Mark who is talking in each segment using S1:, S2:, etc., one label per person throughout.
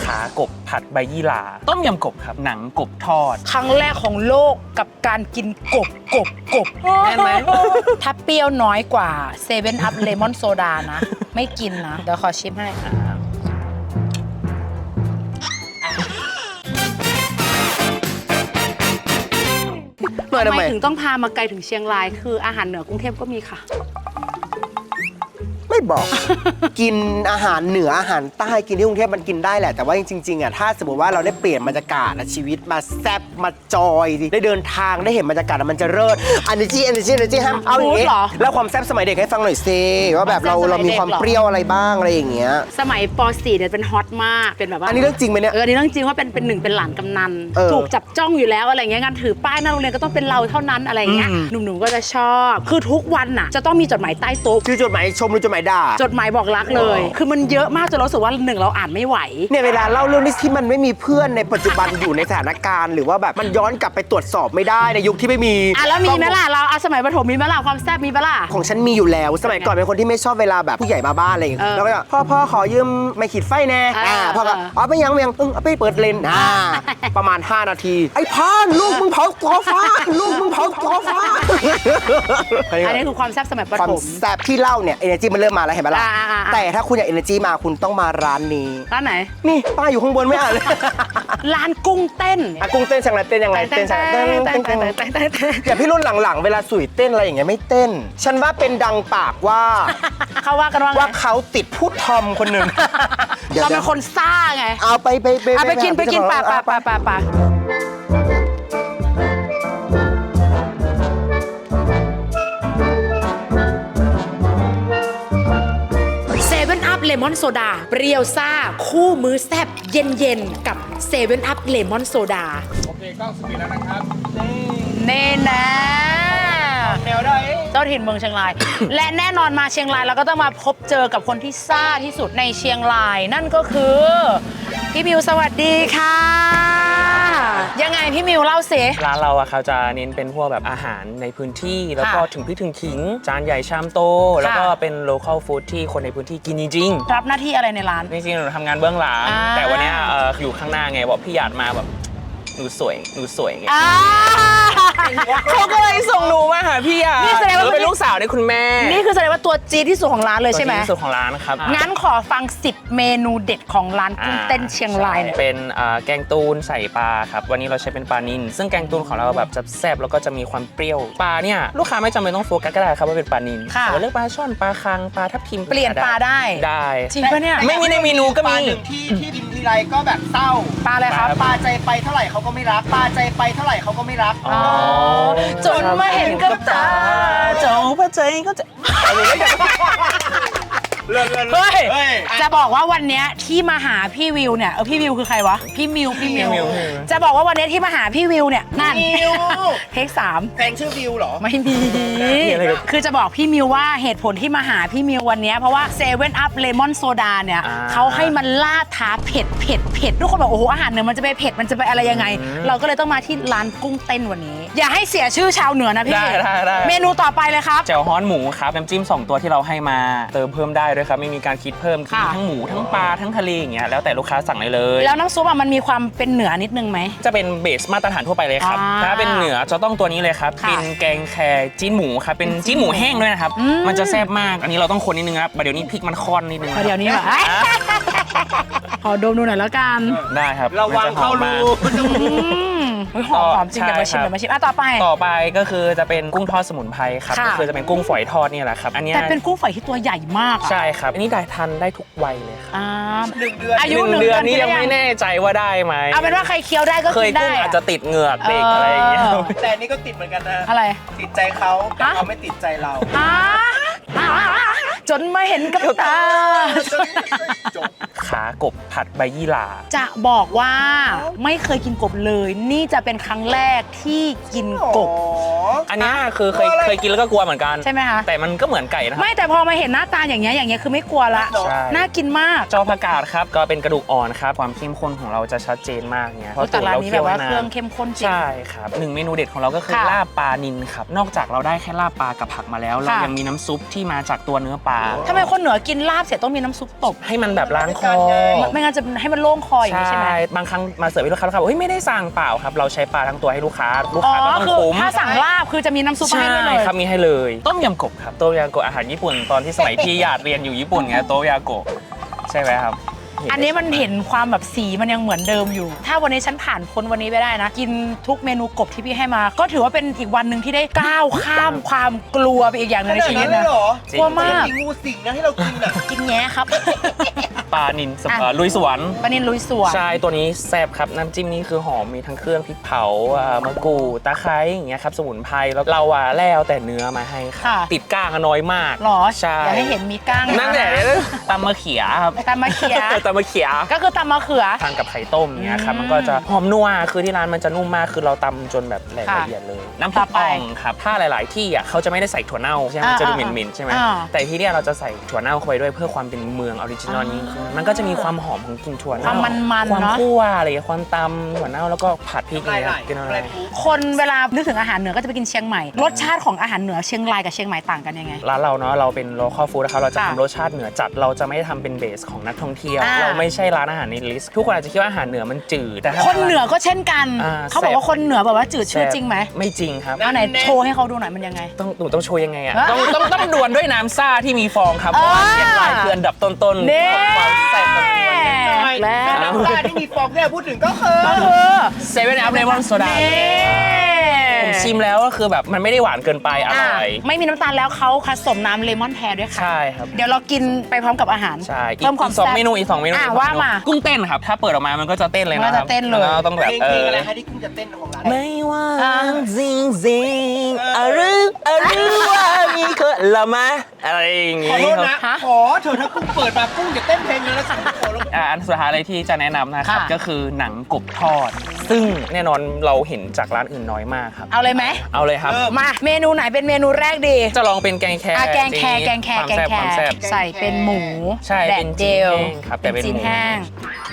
S1: ขากบผัดใบยี่หร่าต้มยำกบครับหนังกบทอด
S2: ครั้งแรกของโลกกับการกินกบ
S1: แน่นไหม
S2: ถ้าเปรี้ยวน้อยกว่าเซเว่นอัพเลมอนโซดานะ ไม่กินนะ เดี๋ยวขอชิมให้ทำไมถึงต้องพามาไกลถึงเชียงรายคืออาหารเหนือกรุงเทพก็มีค่ะ
S3: ไม่บอก กินอาหารเหนืออาหารใต้กินที่กรุงเทพมันกินได้แหละแต่ว่าจริงๆอ่ะถ้าสมมติว่าเราได้เปลี่ยนบรรยากาศและชีวิตมาแซ่บมาจอยได้เดินทางได้เห็นบรรยากาศมันจะเลิศ energy ห้ามเอาอย่างนี้แล้วความแซ่บสมัยเด็กให้ฟังหน่อยซิว่าแบบเรามีความเปรี้ยวอะไรบ้างอะไรอย่างเงี้ย
S2: สมัยป .4 เนี่ยเป็นฮอตมากเป็นแบบว่า
S3: อันนี้เรื่องจริงไหมเนี่ย
S2: อันนี้เรื่องจริงว่าเป็นหนึ่งเป็นหลานกำนันถูกจับจ้องอยู่แล้วอะไรเงี้ยงานถือป้ายหน้าโรงเรียนก็ต้องเป็นเราเท่านั้นอะไรเงี้ยหนุ่มๆก็จะชอบคือทุกวันน่ะจะต้องมีจดหมายใต้โต๊ะ
S3: คือจดหมายชมหรือจดหมายด่า
S2: จดหมายบอกรักเลยคือมันเยอะมากจนรู้สึกว่าหนึ่งเราอ่านไม่ไหว
S3: เนี่ยเวลาเล่าเรื่องนี้ที่มันไม่มีเพื่อนในปัจจุบันอยู่ในสถานการณ์หรือว่าแบบมันย้อนกลับไปตรวจสอบไม่ได้ในยุคที่ไม่มี
S2: แล้วมีไหมล่ะเราสมัยประถมมีไหมล่ะความแซ่บมีไหมล่ะ
S3: ของฉันมีอยู่แล้วสมัยก่อนเป็นคนที่ไม่ชอบเวลาแบบผู้ใหญ่มาบ้านอะไรอย่างเงี้ยแล้วก็พ่อขอยืมไม้ขีดไฟแน่พ่อก็เอาไปยังเอาไปเปิดเลนประมาณ5 นาทีไอ้พานลูกมึงเผาตัวฟ้าลูกมึงเผาตัวฟ้า
S2: อันนี้คือความแซ่บสมัยประถม
S3: ความแซ่บที่เล่าเนี่ยเอเนจีมันเริ่มมาแล้วเห็นไหมล่ะแต่ถ้าคุณอยากเอเนจีมาคุณต้องมาร้านนี้
S2: ร้านไหน
S3: นี่ป้ายอยู่ข้างบนไม่อ่านเลย
S2: ร้านกุ้งเต้น
S3: กุ้งเต้นช่างไรเต้นยังไงเต้นช่างอย่าพี่รุ่นหลังๆเวลาสุยเต้นอะไรอย่างเงี้ยไม่เต้นฉันว่าเป็นดังปากว่า
S2: เขาว่ากันว่า
S3: เขาติดผู้ทอมคนหนึ่ง
S2: เราเป็นคนซ่าไง
S3: เอาไป
S2: กินป่าเลมอนโซดาเปรี้ยวซ่าคู่มื้อแซ่บเย็นๆกับเซเว่นอัพเลมอนโซดา
S1: โอเคกล้องสปีดแล้วนะครับ
S2: เน่นะ
S3: แนวได้
S2: เจ้าถิ่นเมืองเชียงราย และแน่นอนมาเชียงรายเราก็ต้องมาพบเจอกับคนที่ซ่าที่สุดในเชียงรายนั่นก็คือพี่มิวสวัสดีค่ะยังไงพี่มิวเล่าสิ
S1: ร้านเราอะเขาจะเน้นเป็นพวกแบบอาหารในพื้นที่แล้วก็ถึงพริกถึงขิงจานใหญ่ชามโตแล้วก็เป็น local food ที่คนในพื้นที่กินจริง
S2: ๆรับหน้าที่อะไรในร้าน
S1: จริงๆหนูทำงานเบื้องหลังแต่วันนี้อยู่ข้างหน้าไงบอกพี่หยาดมาแบบหนูสวยไงเขาก็เลยส่งหนูมาหาพี่อ่ะนี่แสดงว่าเป็นลูกสาวในคุณแม่
S2: นี่คือแสดงว่าตัวจี๊ดที่สุดของร้านเลยใช่ไหม
S1: ที่สุดของร้านครับ
S2: งั้นขอฟัง10เมนูเด็ดของร้านกุ้งเต้นเชียงราย
S1: เป็นแกงตูนใส่ปลาครับวันนี้เราใช้เป็นปลานิลซึ่งแกงตูนของเราแบบจะแซ่บแล้วก็จะมีความเปรี้ยวปลาเนี่ยลูกค้าไม่จำเป็นต้องโฟกัสก็ได้ครับว่าเป็นปลานิลเราเลือกปลาช่อนปลาคังปลาทับทิม
S2: เปลี่ยนปลาได้จริงปะเนี่ย
S1: ไม่มีในเมนูก็มี
S3: ที่กินทีไรก็แบบเศร้า
S2: ปลาอะไรครับ
S3: ปลาใจไปเท่าไหร่เขาก็ไม่รักปลาใจไปเท่าไหร่เขาก็ไม่รัก
S2: จนมาเห็นกับตา
S1: เจ้าพระใจก็จะ
S2: เฮ้ยจะบอกว่าวันนี้ที่มาหาพี่วิวเนี่ยพี่วิวคือใครวะพี่มิวจะบอกว่าวันนี้ที่มาหาพี่วิวเนี่ยนั่นเทค3
S3: แฟนชื่อวิวเหรอ
S2: ไม่มีคือจะบอกพี่มิวว่าเหตุผลที่มาหาพี่มิววันนี้เพราะว่าเซเว่นอัพเลมอนโซดาเนี่ยเขาให้มันล่าท้าเผ็ดทุกคนบอกโอ้โหอาหารเหนือมันจะไปเผ็ดมันจะไปอะไรยังไงเราก็เลยต้องมาที่ร้านกุ้งเต้นวันนี้อย่าให้เสียชื่อชาวเหนือนะพี่
S1: ได้
S2: เมนูต่อไปเลยครับ
S1: แจ่วฮ้อนหมูครับน้ำจิ้ม2ตัวที่เราให้มาเติมเพิ่มได้ด้วยครับไม่มีการคิดเพิ่มกินทั้งหมูทั้งปลาทั้งทะเลอย่างเงี้ยแล้วแต่ลูกค้าสั่งได้เลย
S2: แล้วน้ำซุปมันมีความเป็นเหนือนิดนึงไหม
S1: จะเป็นเบสมาตรฐานทั่วไปเลยครับถ้าเป็นเหนือจะต้องตัวนี้เลยครับเป็นแกงแคจีนหมูครับเป็นจีนหมูแห้งด้วยนะครับมันจะแซ่บมากอันนี้เราต้องคนนิดนึงครับเดี๋ยวนี้พริกมันค่อนนิดนึง
S2: เดี๋ยวนี้แบบขอดมดูหน่อยแล้วกัน
S1: ได้ครับ
S3: ระวังเข้ารู
S2: หอมจริงเดี๋ยวมาชิมต่อ
S1: ไปก็คือจะเป็นกุ้งทอดสมุนไพรครับก็คือจะเป็นกุ้งฝอยทอดนี่แหละครับอันนี้
S2: แต่เป็นกุ้งฝอยที่ตัวใหญ่มาก
S1: ใช่ครับอันนี้ได้ทานได้ทุกวัยเลยครับ
S3: 1 เดือน
S1: อายุ1 เดือนนี่ยังไม่แน่ใจว่าได้ไหม
S2: เอาเป็นว่าใครเคี้ยวได้ก็กินได้
S1: เคยกุ้งอาจจะติดเหงือกเด็กอะไรอย่างเงี้ย
S3: แต่นี่ก็ติดเหมือนกันนะ
S2: อะไร
S3: ติดใจเขาแต่เขาไม่ติดใจเรา
S2: จนมาเห็นกับตา
S1: ขากบผัดใบยี่หร่า
S2: จะบอกว่าไม่เคยกินกบเลยนี่จะเป็นครั้งแรกที่กินกบ
S1: อันนี้คือเคยกินแล้วก็กลัวเหมือนกัน
S2: ใช่ไหมคะ
S1: แต่มันก็เหมือนไก่นะ
S2: ไม่แต่พอมาเห็นหน้าตาอย่างเงี้ยคือไม่กลัวละน่ากินมาก
S1: จอผักกาดครับก็เป็นกระดูกอ่อนครับความเข้มข้นของเราจะชัดเจนมากเนี่ย
S2: เพราะแต่ร้านนี้แบบว่าเครื่องเข้มข้นจริง
S1: ใช่ครับ1 เมนูเด็ดของเราก็คือลาบปลานิลครับนอกจากเราได้แค่ลาบปลากับผักมาแล้วเรายังมีน้ำซุปที่มาจากตัวเนื้อปลา
S2: ทำไมคนเหนือกินลาบเสร็จต้องมีน้ำซุปตบ
S1: ให้มันแบบล้างคอ
S2: ไม่งั้นจะให้มันโล่งคออย่างนี้ใช่ไหม
S1: บางครั้งมาเสิร์ฟให้ลูกค้าบอกเฮ้ยไม่ได้สั่งเปล่าครับเราใช้ปลาทั้งตัวให้ลูกค้าก็ต้อง
S2: คือ
S1: คุ้ม
S2: ถ้าสั่งลาบคือจะมีน้ำซุปให้ด้วยเลย
S1: ครับมีให้เลยต้มยำกบครับต้มยำกบอาหารญี่ปุ่นตอนที่สมัยพี่หยาดเรียนอยู่ญี่ปุ่นไงต้มยำกบใช่ไหมครับ
S2: อันนี้มันเห็นความแบบสีมันยังเหมือนเดิมอยู่ ถ้าวันนี้ฉันผ่านพ้นวันนี้ไปได้นะ กินทุกเมนูกบที่พี่ให้มา ก็ถือว่าเป็นอีกวันหนึ่งที่ได้ก้าวข้ามความกลัวไปอีกอย่างหนึงในชีวิตนะกลัวมาก
S3: มีงูสิงนะที่เรากินอ่ะ
S2: กินแง่ครับ
S1: ปลานิลลุยสวน
S2: ปลานิลลุยสวน
S1: ใช่ตัวนี้แซ่บครับน้ำจิ้มนี่คือหอมมีทั้งเครื่องพริกเผามะกรูดตะไคร้อย่างเงี้ยครับสมุนไพรแล้วเราแล้วแต่เนื้อมาให้ครับติดก้างน้อยมาก
S2: หรอ
S1: ใช่
S2: อย่าให้เห็นมีก้าง
S1: นั่นแหละตำมะเขียครับ
S2: ตำมะเขือ
S1: ตำมะเขีย
S2: ก็คือตำมะเขือ
S1: ทานกับไข่ต้มอย่างเงี้ยครับมันก็จะหอมนัวคือที่ร้านมันจะนุ่มมากคือเราตำจนแบบละเอียดเลยน้ำพริกอ่องครับถ้าหลาย ๆ ที่อ่ะเขาจะไม่ได้ใส่ถั่วเน่าใช่ไหมมันจะดูเหม็นๆใช่ไหมแต่ที่เนี่ยเราจะใส่ถั่วเน่าเข้าไปด้วยเพื่อความเป็นเมืองออริจินอลยิ่งขึ้นมันก็จะมีความหอมของกลิ่นถั่วเน่า
S2: ความมันๆ
S1: ความ
S2: เนาะ
S1: คั่วอะไรความตำถั่วเน่าแล้วก็ผัดพริกอะไรกินอะไร
S2: คนเวลานึกถึงอาหารเหนือก็จะไปกินเชียงใหม่รสชาติของอาหารเหนือเชียงรายกับเชียงใหม่ต่างกันยังไง
S1: ร้านเราเนาะเราเป็น local food นะครับเราจะ
S2: ค่ะ
S1: ทำรสชาติเหนือจัดเราจะไม่ได้ทำเป็นเบสของนักท่องเที่ยว
S2: อ่า
S1: เราไม่ใช่ร้านอาหารในลิสต์ทุกคนอาจจะคิดว่าอาหารเหนือมันจืดแต่ถ้า
S2: คนเหนือก็เช่นกัน
S1: อ่า
S2: เขาบอกว่าคนเหนือแบบว่าจืดชืดจริงไหม
S1: ไม่จริงครับ
S2: เอาไหนโชว์ให้เขาดูหน่อยมันยังไง
S1: หนูต้องโชว์ยังไงอ่ะ
S2: อ่ะ
S1: ต้องดวลด้วยน้ำซ่าที่มีฟองครับเพราะว่าเชียงรายคืออันดับต้นๆ
S2: เน่
S1: ของความแซ่บแบบนี้
S2: แล้ว
S3: น้ำตาที่มีฟองที่เราพูดถึงก็คือ
S1: เซเว่นอัพเลมอนโซดาผมชิมแล้วก็คือแบบมันไม่ได้หวานเกินไปอร่อย
S2: ไม่มีน้ำตาลแล้วเขาผสมน้ำเลมอนแทนด้วยค่ะ
S1: ใช่ครับ
S2: เดี๋ยวเรากินไปพร้อมกับอาหาร
S1: ใช่
S2: เพิ่มความ
S1: สอง
S2: แซ่บ
S1: เมนูอีกสองเมนู
S2: อ่ะ
S1: อีกสองเมนู
S2: ว่ามา
S1: กุ้งเต้นครับถ้าเปิดออกมามันก็จะเต้นเลยนะค
S2: มัน
S1: รั
S2: จะเต้นเลย
S1: แล้วต้องแบบ
S3: เพลงอะไรคะที่คุณจะเต้นของร้าน
S1: ไม่ว่าจริงจริงหรือว่ามีคนละมะอะไรอย่างงี้
S3: ขอโทษนะ
S2: ฮะ
S3: ขอเถอะถ้ากุ้งเปิดมากุ้งจะเต้นเพลงเลยนะสั่งขอแล้ว
S1: อันสุดท้ายเลยที่จะแนะนำนะครับ
S2: ค่ะ
S1: ก็คือหนังกบทอด ซึ่งแน่นอนเราเห็นจากร้านอื่นน้อยมากครับ
S2: เอาเลยไหม
S1: เอาเลยครับ
S2: มาเมนูไหนเป็นเมนูแรกดี
S1: จะลองเป็นแกงแค
S2: แกงแครแกงแคร
S1: ความแซ่บความแซ่บ
S2: ใส่เป็นหมู
S1: ใช่
S2: แด
S1: เป็
S2: ด
S1: น
S2: เด
S1: จีน
S2: ล
S1: แห้งครับแต่เป็น
S2: จีน
S1: หมู
S2: แห้ง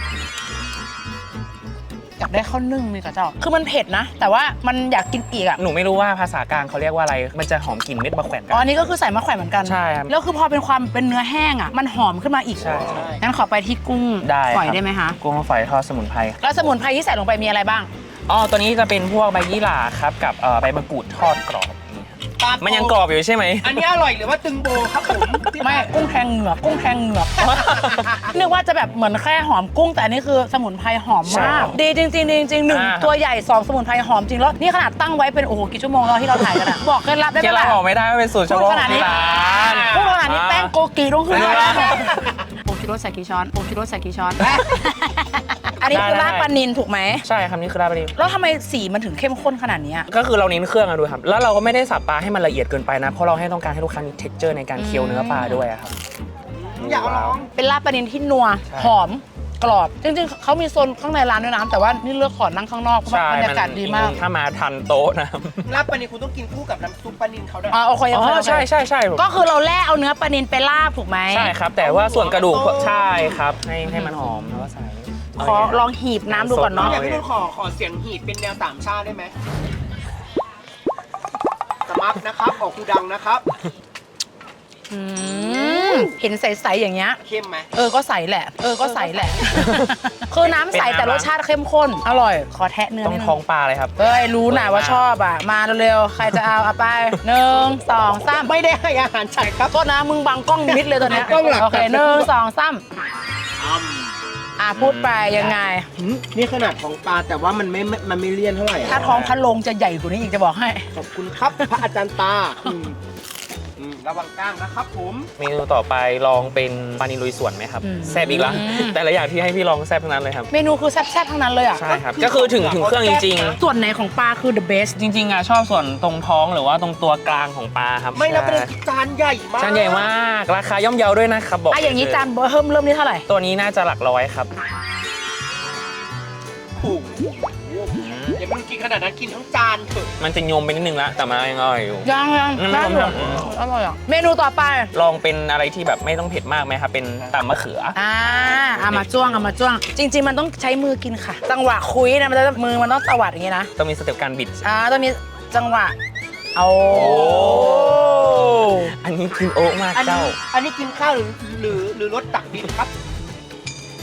S2: อยากได้ข้าวนึ่งมีกับเจ้าคือมันเผ็ดนะ แต่ว่ามันอยากกินอีกอ่ะ
S1: หนูไม่รู้ว่าภาษากลางเขาเรียกว่าอะไร มันจะหอมกลิ่นเม็ดมะแขวนกั
S2: อ๋ออันนี้ก็คือใส่มะแขวนเหมือนกัน
S1: ใช่ครับ
S2: แล้วคือพอเป็นความเป็นเนื้อแห้งอ่ะมันหอมขึ้นมาอีก
S1: ใช่
S2: งั้นขอไปที่กุ้ง
S1: ได้
S2: ฝอย
S1: ครับ
S2: ได้ไหมคะ
S1: กุ้งฝอยทอดสมุนไพร
S2: แล้วสมุนไพรที่ใส่ลงไปมีอะไรบ้าง
S1: อ๋อตัวนี้จะเป็นพวกใบยี่หร่าครับกับใบมะกรูดทอดกรอบมันยังกรอบอยู่ใช่ไหม
S3: อันนี้อร่อยหรือว่าตึงโบครับผม
S2: ไม่กุ้งแทงเหงือกกุ้งแทงเหงือก นึกว่าจะแบบเหมือนแค่หอมกุ้งแต่อันนี้คือสมุนไพรหอม
S1: ใช่
S2: มาก ดีจริงๆดีจริงๆหนึ่ง
S1: อ่า
S2: ตัวใหญ่สองสมุนไพรหอมจริงแล้วนี่ขนาดตั้งไว้เป็นโอ้โหกี่ชั่วโมงแล้วที่เราถ่ายกันอะบอกเคล็ดลับได้ไห
S1: เก
S2: ม
S1: ลือ
S2: ล่ะ
S1: หอมไม่ได้ไม่เป็นสูตรเฉ
S2: พูด
S1: พาะ
S2: ขนาดนี้
S1: ที่ร้าน
S2: พูดขนาดนี้แป้งโกกีต้องขึ้น
S1: ไม่
S2: มา
S1: ได้
S2: โอคิโรใส่กี่ช้อนโอคิโรใส่กี่ช้อน อันนี้คือ
S1: ได้
S2: ลาบปลานินถูกไหม
S1: ใช่ครับนี่คือลาบปลานิล
S2: แล้วทำไมสีมันถึงเข้มข้นขนาดนี้อะ
S1: ก็คือเราเน้นเครื่องอะดูครับ แล้วเราก็ไม่ได้สับปลาให้มันละเอียดเกินไปนะ เพราะเราให้ต้องการให้ลูกค้ามี texture ในการเคี้ยวเนื้อปลาด้วยอะครับ
S3: อยากลอง
S2: เป็นลาบปลานินที่นัว
S1: ใช่
S2: หอมกรอบ จริงๆเขามีโซนข้างในร้านด้วยนะแต่ว่านี่เลือกขอนั่งข้างนอกเพราะว่าบรรยากาศดีมาก
S1: ถ้ามาทันโต๊ะนะ
S3: ลาบปลานิลคุณต้องกินคู่กับน้ำซุปปลานิลเขาด้วย
S2: อ๋อโอเค
S1: อ๋
S2: โอเค
S1: อ
S2: โอเค
S1: ใช่ใช่ใช่
S2: ก็คือเราแล่เอาเนื้อปลานินไปลาบถูกไหม
S1: ใช่ครับ แต่ว่าส่วนกระดูกใช่ครับ ให้มันหอมแล้วก็ใส่
S2: ขอลองหีบน้ำดูก่อนเนาะ
S3: อยากให้นุ่นขอเสียงหีดเป็นแนวสามชาติได้ไหมสมัครนะครับออกคูดังนะครับ
S2: เห็นใสๆอย่างเงี้ย
S3: เข้มไหม
S2: ก็ใสแหละ ก็ใสแหละ คือน้ำใสแต่รสชาติเข้มข้น อร่อย ขอแทะเนื้อ
S1: ต้อง
S2: นิดนึ
S1: ท้องปลาเลยครับ
S2: เอ้ยรู้นะว่าชอบอ่ะ มาเร็วๆ ใครจะเอาไป1 2 3
S3: ไม่ได้ให้อาหารฉันครับ
S2: โทษนะมึงบังกล้องมิดเลยตอนเนี้ย
S3: กล้องหลัก
S2: โอเค1 2 3พูดไปยังไง
S3: นี่ขนาดของปลาแต่ว่ามันไม่เลี่ยนเท่าไหร่
S2: ถ้าท้องพะโลงจะใหญ่กว่านี้อีกจะบอกให้
S3: ขอบคุณครับ พระอาจารย์ตาระวังก้างนะครับผม
S1: เมนูต่อไปลองเป็นปลานิลลุยสวนไหมครับ
S2: อืม
S1: แซ่บอีกแล้วแต่ละอย่างที่ให้พี่ลองแซ่บทั้งนั้นเลยครับ
S2: เมนูคือแซ่บๆทั้งนั้นเลยอ่ะ
S1: ใช่ครับ ก็คือถึงเครื่องจริง
S2: ส่วนไหนของปลาคือ the best
S1: ๆ จริงๆอ่ะชอบส่วนตรงท้องหรือว่าตรงตัวกลางของปลาครับ
S3: ไม่แล้วเป็นจานใหญ่มาก
S1: จานใหญ่มาก ราคาย่อมเยาด้วยนะครับบอก
S2: อย่างนี้จานเริ่มนี่เท่าไหร่
S1: ตัวนี้น่าจะหลักร้อยครับ
S3: ถูกอย่าเพิ่งกินขนาดนั้นกินทั้งจานเถอะ
S1: มันจะโยมไปนิดนึงละแต่มันยังอร่อยอยู่
S2: ยัง
S1: อืม
S2: ได้อยู่อร่อยอ่ะ เมนูต่อไป
S1: ลองเป็นอะไรที่แบบไม่ต้องเผ็ดมากไหมครับ เป็นตำมะเขือ
S2: เอามาจ้วง จริง ๆ มันต้องใช้มือกินค่ะ จังหวะคุยนะมันจะมือมันต้องตวัดอย่างงี้นะ
S1: ต้องมีสเต็ปการบิด
S2: ต้องมีจังหวะ เอา
S1: อันนี้กินโอ๊ะมากเจ้า
S3: อันนี้กินข้าวหรือรสตักดินครับ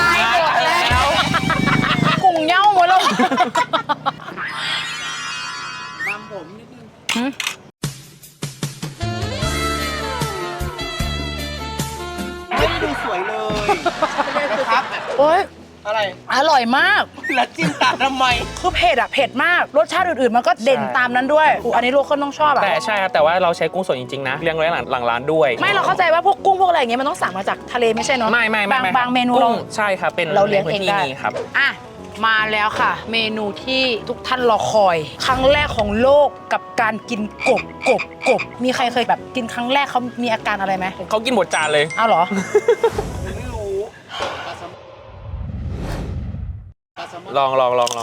S2: ายหมดแล้วกุ้งเหย้าหมดแล้ว
S3: ตามผมนิดนึงไม่ได้ดูสวยเลยนะครับ
S2: โอ๊ย
S3: อะไร
S2: อร่อยมาก
S3: แล้วจิ้มตามทำไม
S2: คือเผ็ดอะเผ็ดมาก รสชาติอื่นๆ มันก็เด่นตามนั้นด้วยอันนี้ลูกคนต้องชอบอะ
S1: แต่ใช่ครับแต่ว่าเราใช้กุ้งสดจริงๆนะเลี้ยงไว้หลังร้านด้วย
S2: ไม่เราเข้าใจว่าพวกกุ้งพวกอะไรอย่างเงี้ยมันต้องสั่งมาจากทะเลไม่ใช่เนาะ
S1: ไม่
S2: บางเมนู
S1: กุ้
S2: เรา
S1: งใช่ครับเป็น
S2: เราเลี้ยงเอง
S1: ในพื้น
S2: ได้
S1: ที่นี้ครับ
S2: อ่ะมาแล้วค่ะ เมนูที่ทุกท่านรอคอย ครั้งแรกของโลกกับการกินกบมีใครเคยแบบกินครั้งแรกเขามีอาการอะไรไหม
S1: เขากินหมดจานเลย
S2: เอาเหรอ
S3: ไม่รู้
S1: ลอง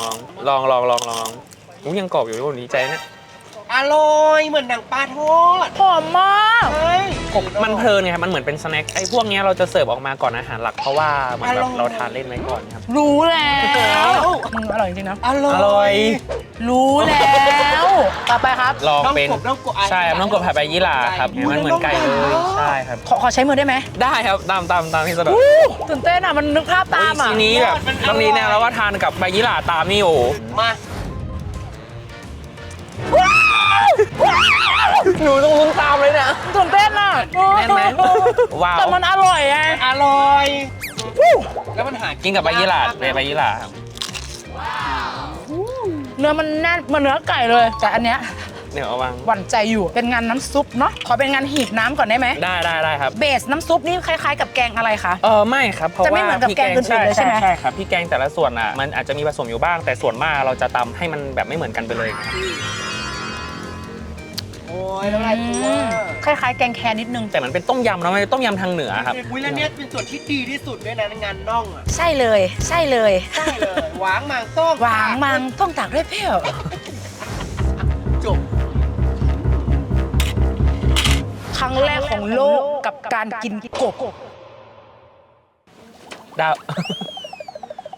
S1: อุ้ยยังกรอบอยู่เลยวันนี้ใจเนี่ย
S3: อร่อยเหมือนหนังปลาทอด
S2: หอมมาก
S3: ใช่
S1: มันเพลินไงครับมันเหมือนเป็นสแน็คไอ้พวกเนี้ยเราจะเสิร์ฟออกมาก่อนอาหารหลักเพราะว่าเหมือนแบบเราทานเล่นไว้ก่อนครับ
S2: รู้แล้วอร่อยจริงๆนะ
S3: อร่อย
S1: อร่อย
S2: รู้แล้วต่อไปครับ
S1: ลองเป็น
S3: น้องกบ
S1: ใช่ครับน้องกบผัดใบยี่หร่าครับมันเหมือนไก่เลยใช่ครับ
S2: ขอใช้มือได้ไหม
S1: ได้ครับตามที่สะดวก
S2: ตื่นเต้นอ่ะมันนึกภาพตามอ่ะ
S1: ทีนี้แบบตรงนี้เนี่ยเราก็ทานกับใบยี่หร่าตามนี่โอ้โห
S3: มา
S1: หนูต้องลุ้นตามเลยนะ
S2: ตื่นเต้นอ่ะ
S1: แน่นไหมว้าว
S2: แต่มันอร่อยไง
S3: อร่อย แล้วมันหา
S1: กินกับใบยี่หร่าเลยใบยี่หร่าครับ
S2: เนื้อมันแน่นเหมือนเนื้อไก่เลย แต่อันเนี้ย
S1: เดี๋ยวเอาวาง
S2: หวั่นใจอยู่เป็นงานน้ำซุปเนาะขอเป็นงานหีบน้ำก่อนได้ไหม
S1: ได้ครับ
S2: เบสน้ำซุปนี่คล้ายๆกับแกงอะไรคะ
S1: ไม่ครับเพราะ
S2: จะไม่
S1: ว่า
S2: เหมือนกับแกงอื่นๆเลยใช่ไหม
S1: ใช่ครับพี่แกงแต่ละส่วนอ่ะมันอาจจะมีผสมอยู่บ้าง แต่ส่วนมากเราจะตำให้มันแบบไม่เหมือนกันไปเลยครับ
S3: โอ้ยแล้วอะไรกูว่า
S2: คล้ายๆแกงแคนิดนึง
S1: แต่มันเป็นต้มยำนะมันเป็นต้มยำทางเหนือครับ
S3: อุ้ยแล้วเนี่ยเป็นส่วนที่ดีที่สุดด้วยนะในงานน่องอ่ะ
S2: ใช่เลยใช่เลย
S3: ใช่เลยหวางหมางต้ม
S2: หวางมังต้องตากด้วยเปรี้ยว
S3: จบ
S2: ครั้งแรกของโลกกับการกินกบ
S1: ดาว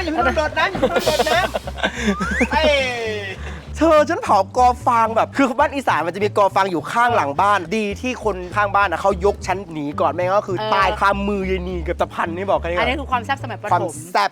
S3: อย่าเพิ่งโดดน้ำอย่าเพิ่งโดดน้ำเธอฉันเผากอฟางแบบคือบ้านอีสานมันจะมีกอฟางอยู่ข้างหลังบ้านดีที่คนข้างบ้านนะเขายกฉันหนีก่อนไม่งั้นก็คือตายคามือยายนีกับตะพันนี่บอกกัน
S2: อันนี้คือความแซ่บสมัยประ
S3: ความ
S2: ถม
S3: แซ่บ